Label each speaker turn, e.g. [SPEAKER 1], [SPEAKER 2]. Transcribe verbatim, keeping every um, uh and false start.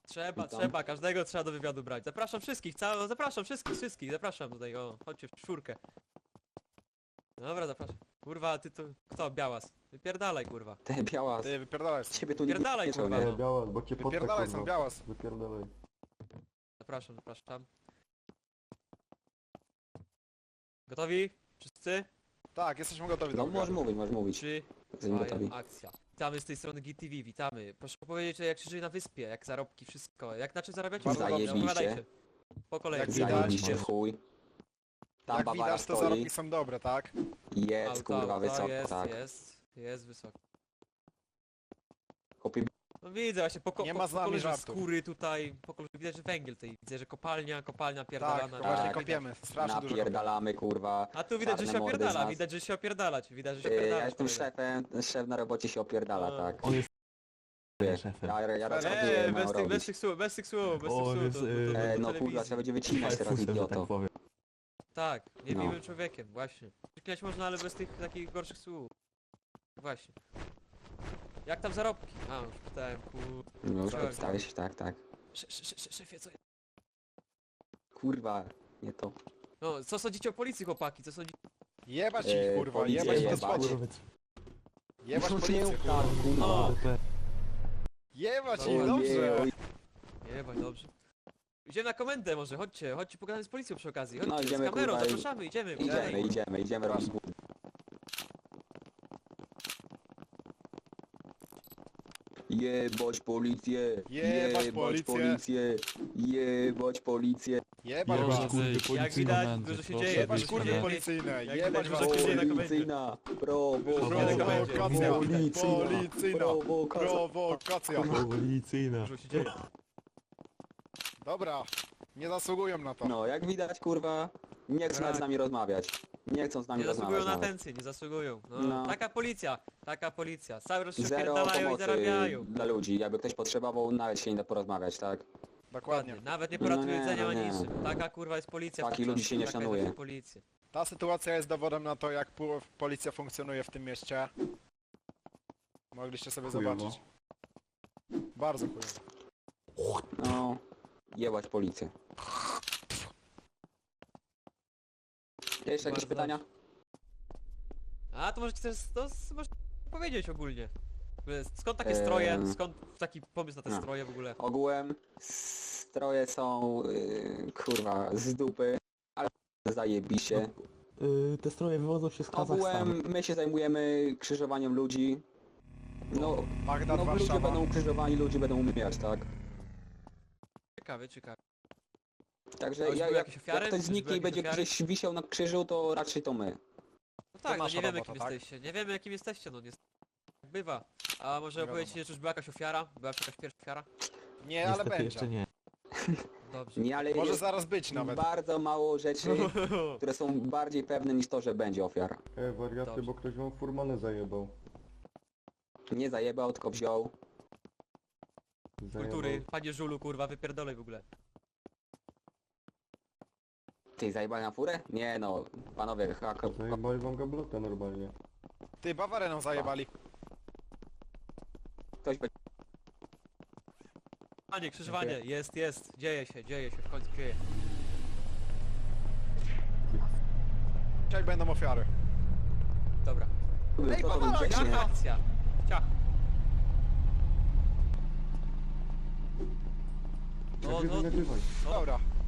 [SPEAKER 1] Trzeba,
[SPEAKER 2] Witam.
[SPEAKER 1] trzeba, każdego trzeba do wywiadu brać. Zapraszam wszystkich, całe, zapraszam wszystkich, wszystkich, zapraszam tutaj, o, chodźcie w czwórkę. Dobra, zapraszam. Kurwa, ty to, kto? Białas. Wypierdalaj, kurwa.
[SPEAKER 2] Te biała,
[SPEAKER 3] Ty, wypierdalaj stąd.
[SPEAKER 2] ciebie tu nikt
[SPEAKER 1] Wypierdalaj,
[SPEAKER 2] nie
[SPEAKER 1] kurwa,
[SPEAKER 2] nie?
[SPEAKER 1] no.
[SPEAKER 4] Nie, biała, bo cię potta,
[SPEAKER 3] Wypierdalaj
[SPEAKER 4] kurwa.
[SPEAKER 3] stąd, białas.
[SPEAKER 4] Wypierdalaj.
[SPEAKER 1] Zapraszam, zapraszam. Gotowi? Wszyscy?
[SPEAKER 3] Tak, jesteśmy gotowi do
[SPEAKER 2] No możesz
[SPEAKER 3] wywiadu.
[SPEAKER 2] mówić, możesz mówić.
[SPEAKER 1] Trzy,
[SPEAKER 2] Jesteśmy
[SPEAKER 1] dwa,
[SPEAKER 2] gotowi.
[SPEAKER 1] jeden, akcja. Witamy z tej strony G T V, witamy. Proszę powiedzieć, jak się żyje na wyspie, jak zarobki, wszystko. Jak na czym zarabiacie?
[SPEAKER 3] Bardzo
[SPEAKER 1] Dobrze,
[SPEAKER 2] dobrze.
[SPEAKER 1] opowiadajcie. Po kolei.
[SPEAKER 3] Jak widać-
[SPEAKER 2] Zajebiście w chuj. Tam
[SPEAKER 3] Jak
[SPEAKER 2] Bawara
[SPEAKER 3] widać, to
[SPEAKER 2] stoi.
[SPEAKER 3] zarobki są dobre, tak?
[SPEAKER 2] Jest
[SPEAKER 1] Auto,
[SPEAKER 2] kurwa
[SPEAKER 1] auto,
[SPEAKER 2] wysoko,
[SPEAKER 1] jest,
[SPEAKER 2] tak.
[SPEAKER 1] jest, jest wysoko.
[SPEAKER 2] Chłopie,
[SPEAKER 1] No widzę właśnie, po, ko
[SPEAKER 3] Nie
[SPEAKER 1] po,
[SPEAKER 3] ma z
[SPEAKER 1] po
[SPEAKER 3] nami
[SPEAKER 1] kolorze
[SPEAKER 3] żartów.
[SPEAKER 1] skóry tutaj, po kolorze widać, że węgiel tutaj, widzę, że kopalnia, kopalnia
[SPEAKER 3] Tak,
[SPEAKER 1] pierdalana.
[SPEAKER 3] to właśnie
[SPEAKER 2] Tak.
[SPEAKER 3] kopiemy. Strasznie dużo kopiemy.
[SPEAKER 2] napierdalamy kurwa.
[SPEAKER 1] A tu widać, że
[SPEAKER 2] Czarne
[SPEAKER 1] się
[SPEAKER 2] mordy z
[SPEAKER 1] opierdala,
[SPEAKER 2] nas.
[SPEAKER 1] widać, że się opierdala, widać, że się
[SPEAKER 2] Yy, Ja
[SPEAKER 1] opierdala.
[SPEAKER 2] jestem szefem, ten szef na robocie się opierdala,
[SPEAKER 1] A.
[SPEAKER 2] tak.
[SPEAKER 4] On jest
[SPEAKER 2] Wiesz,
[SPEAKER 4] szefem.
[SPEAKER 2] ja, ja raz
[SPEAKER 3] Eee,
[SPEAKER 2] chodziłem,
[SPEAKER 1] Eee,
[SPEAKER 2] mam
[SPEAKER 1] bez tych, bez
[SPEAKER 2] robić.
[SPEAKER 1] tych słów, bez tych słów, bez
[SPEAKER 4] O,
[SPEAKER 1] tych słów,
[SPEAKER 4] jest,
[SPEAKER 1] to, to, to,
[SPEAKER 4] yy,
[SPEAKER 1] to,
[SPEAKER 2] E,
[SPEAKER 1] do
[SPEAKER 2] no kurwa,
[SPEAKER 1] telewizji.
[SPEAKER 2] trzeba będzie wycinać teraz,
[SPEAKER 4] Fajfusem, że tak
[SPEAKER 2] idioto.
[SPEAKER 4] powiem.
[SPEAKER 1] Tak, nie
[SPEAKER 2] No.
[SPEAKER 1] miłym człowiekiem, właśnie. Przyklinać można, ale bez tych takich gorszych słów. Właśnie. Jak tam zarobki? A, już pytałem, kur...
[SPEAKER 2] No już
[SPEAKER 1] Tak.
[SPEAKER 2] przedstawię się, tak, tak.
[SPEAKER 1] Sze- sze- sze- Szefie, co...
[SPEAKER 2] Kurwa, nie to.
[SPEAKER 1] No, co sądzicie o policji, chłopaki, co sądzicie?
[SPEAKER 3] Jebać
[SPEAKER 2] Eee,
[SPEAKER 3] ich, kurwa,
[SPEAKER 2] policję
[SPEAKER 3] jebać to
[SPEAKER 2] jebać.
[SPEAKER 3] spodnie.
[SPEAKER 4] Kurwa,
[SPEAKER 3] Jebać
[SPEAKER 2] No nie
[SPEAKER 3] policję,
[SPEAKER 2] tak,
[SPEAKER 3] kurwa.
[SPEAKER 2] kurwa.
[SPEAKER 1] O.
[SPEAKER 3] Jebać
[SPEAKER 1] Ojej,
[SPEAKER 3] ich, dobrze.
[SPEAKER 2] oj.
[SPEAKER 1] Jebaj, dobrze. Idziemy na komendę może, chodźcie, chodźcie pogadać z policją przy okazji, chodźcie,
[SPEAKER 2] No,
[SPEAKER 1] z
[SPEAKER 2] idziemy,
[SPEAKER 1] kamerą,
[SPEAKER 2] kurwa, i-
[SPEAKER 1] zapraszamy, idziemy,
[SPEAKER 2] Idziemy,
[SPEAKER 1] pogadajmy.
[SPEAKER 2] idziemy, idziemy robić głód. Jebać policję,
[SPEAKER 3] Jebać policję.
[SPEAKER 2] policję, jebać policję.
[SPEAKER 3] Jebać
[SPEAKER 4] Jebać,
[SPEAKER 3] was.
[SPEAKER 4] kurwy,
[SPEAKER 1] Jak
[SPEAKER 4] policyjną
[SPEAKER 1] widać,
[SPEAKER 4] mędzę,
[SPEAKER 1] dużo się
[SPEAKER 4] proszę.
[SPEAKER 1] dzieje,
[SPEAKER 3] Jebać
[SPEAKER 1] dużo się
[SPEAKER 3] kurwy
[SPEAKER 1] dzieje.
[SPEAKER 3] policyjne.
[SPEAKER 1] Jak
[SPEAKER 3] Jebać
[SPEAKER 1] widać,
[SPEAKER 3] was.
[SPEAKER 1] dużo się dzieje na komendzie.
[SPEAKER 2] Policyjna, prowokacja,
[SPEAKER 3] Prowokacja. Policyjna.
[SPEAKER 2] prowokacja.
[SPEAKER 3] Prowokacja.
[SPEAKER 4] Policyjna.
[SPEAKER 1] Dużo się dzieje.
[SPEAKER 3] Dobra, nie zasługują na to.
[SPEAKER 2] No, jak widać, kurwa, nie chcą nawet z nami rozmawiać. Nie chcą z nami
[SPEAKER 1] Nie zasługują
[SPEAKER 2] rozmawiać
[SPEAKER 1] na
[SPEAKER 2] nawet.
[SPEAKER 1] atencję, nie zasługują. No,
[SPEAKER 2] No.
[SPEAKER 1] Taka policja, taka policja. Cały czas się
[SPEAKER 2] Zero
[SPEAKER 1] opierdalają i
[SPEAKER 2] pomocy
[SPEAKER 1] zarabiają.
[SPEAKER 2] dla ludzi. Jakby ktoś potrzebował, nawet się nie da porozmawiać, tak?
[SPEAKER 3] Dokładnie.
[SPEAKER 1] Ładnie, nawet nie
[SPEAKER 2] No
[SPEAKER 1] poratuje
[SPEAKER 2] nie,
[SPEAKER 1] jedzenia
[SPEAKER 2] no
[SPEAKER 1] ani
[SPEAKER 2] nie.
[SPEAKER 1] niczym. Taka kurwa jest policja.
[SPEAKER 2] Takich
[SPEAKER 1] wciąż,
[SPEAKER 2] ludzi się nie
[SPEAKER 1] taka jest
[SPEAKER 2] szanuje.
[SPEAKER 1] właśnie policja.
[SPEAKER 3] Ta sytuacja jest dowodem na to, jak pu- policja funkcjonuje w tym mieście. Mogliście sobie
[SPEAKER 4] Chujowo.
[SPEAKER 3] zobaczyć. Bardzo chujowo.
[SPEAKER 2] No, jebać policję. Jeszcze jakieś
[SPEAKER 1] Bardzo
[SPEAKER 2] pytania?
[SPEAKER 1] A to może chcesz, to s- możesz powiedzieć ogólnie. W ogóle skąd takie
[SPEAKER 2] Eee.
[SPEAKER 1] stroje, skąd taki pomysł na te
[SPEAKER 2] No.
[SPEAKER 1] stroje w ogóle?
[SPEAKER 2] Ogółem stroje są, yy, kurwa, z dupy, ale zajebiście.
[SPEAKER 4] Yy, te stroje wywodzą się z Kazachstanu.
[SPEAKER 2] Ogółem my się zajmujemy krzyżowaniem ludzi. No,
[SPEAKER 3] Bagdad,
[SPEAKER 2] no ludzie
[SPEAKER 3] Warszawa.
[SPEAKER 2] będą krzyżowani, ludzie będą umierać, tak?
[SPEAKER 1] Ciekawe, ciekawe. A
[SPEAKER 2] Także
[SPEAKER 1] już
[SPEAKER 2] ja,
[SPEAKER 1] były
[SPEAKER 2] jak,
[SPEAKER 1] jakieś ofiary?
[SPEAKER 2] jak ktoś
[SPEAKER 1] Już
[SPEAKER 2] zniknie
[SPEAKER 1] były
[SPEAKER 2] i będzie
[SPEAKER 1] jakieś ofiary?
[SPEAKER 2] gdzieś wisiał na krzyżu, to raczej to my.
[SPEAKER 1] No tak, no
[SPEAKER 3] nasza
[SPEAKER 1] nie wiemy
[SPEAKER 3] robota,
[SPEAKER 1] jakim
[SPEAKER 3] tak?
[SPEAKER 1] jesteście, nie wiemy jakim jesteście, no niestety. Tak bywa. A może
[SPEAKER 3] Nie
[SPEAKER 1] opowiedzcie,
[SPEAKER 3] wiadomo.
[SPEAKER 1] czy już była jakaś ofiara? Była jakaś pierwsza ofiara?
[SPEAKER 3] Nie, ale
[SPEAKER 4] Niestety
[SPEAKER 3] będzie.
[SPEAKER 4] jeszcze nie.
[SPEAKER 1] Dobrze.
[SPEAKER 2] Nie, ale
[SPEAKER 3] Może
[SPEAKER 2] jest
[SPEAKER 3] zaraz być nawet.
[SPEAKER 2] bardzo mało rzeczy, które są bardziej pewne niż to, że będzie ofiara.
[SPEAKER 4] E, wariaty,
[SPEAKER 1] Dobrze.
[SPEAKER 4] bo ktoś wam furmanę zajebał.
[SPEAKER 2] Nie zajebał, tylko wziął.
[SPEAKER 1] Kultury,
[SPEAKER 4] Zajebał.
[SPEAKER 1] panie żulu, kurwa, wypierdolej w ogóle.
[SPEAKER 2] Ty, zajebali na furę? Nie no, panowie, hak,
[SPEAKER 4] Zajebali wam gablotę normalnie.
[SPEAKER 3] Ty, Bawarę nam zajebali.
[SPEAKER 2] ktoś będzie...
[SPEAKER 1] Panie, krzyżowanie, jest, jest, dzieje się, dzieje się, w końcu dzieje.
[SPEAKER 3] Dzisiaj będą ofiary.
[SPEAKER 1] Dobra.
[SPEAKER 3] Ej,
[SPEAKER 2] to
[SPEAKER 3] Bawara,
[SPEAKER 2] grzecznie.
[SPEAKER 3] Ciach.
[SPEAKER 1] Akcja. Ciach. No,
[SPEAKER 4] Nagrywaj,
[SPEAKER 1] no,
[SPEAKER 4] nagrywaj.
[SPEAKER 1] no.
[SPEAKER 3] Dobra.